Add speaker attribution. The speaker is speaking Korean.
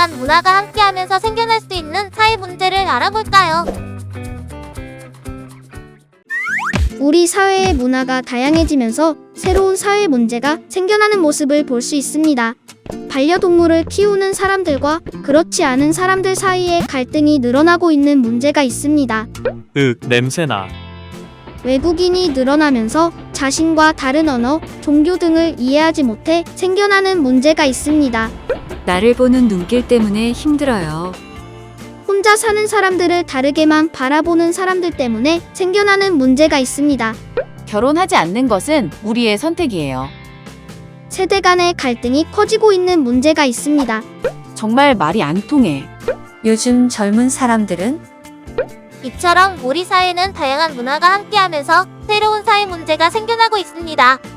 Speaker 1: 다양한 문화가 함께하면서 생겨날 수 있는 사회 문제를 알아볼까요?
Speaker 2: 우리 사회의 문화가 다양해지면서 새로운 사회 문제가 생겨나는 모습을 볼 수 있습니다. 반려동물을 키우는 사람들과 그렇지 않은 사람들 사이에 갈등이 늘어나고 있는 문제가 있습니다.
Speaker 3: 냄새나.
Speaker 2: 외국인이 늘어나면서 자신과 다른 언어, 종교 등을 이해하지 못해 생겨나는 문제가 있습니다.
Speaker 4: 나를 보는 눈길 때문에 힘들어요.
Speaker 2: 혼자 사는 사람들을 다르게만 바라보는 사람들 때문에 생겨나는 문제가 있습니다.
Speaker 5: 결혼하지 않는 것은 우리의 선택이에요.
Speaker 2: 세대 간의 갈등이 커지고 있는 문제가 있습니다.
Speaker 5: 정말 말이 안 통해.
Speaker 4: 요즘 젊은 사람들은
Speaker 1: 이처럼 우리 사회는 다양한 문화가 함께하면서 새로운 사회 문제가 생겨나고 있습니다.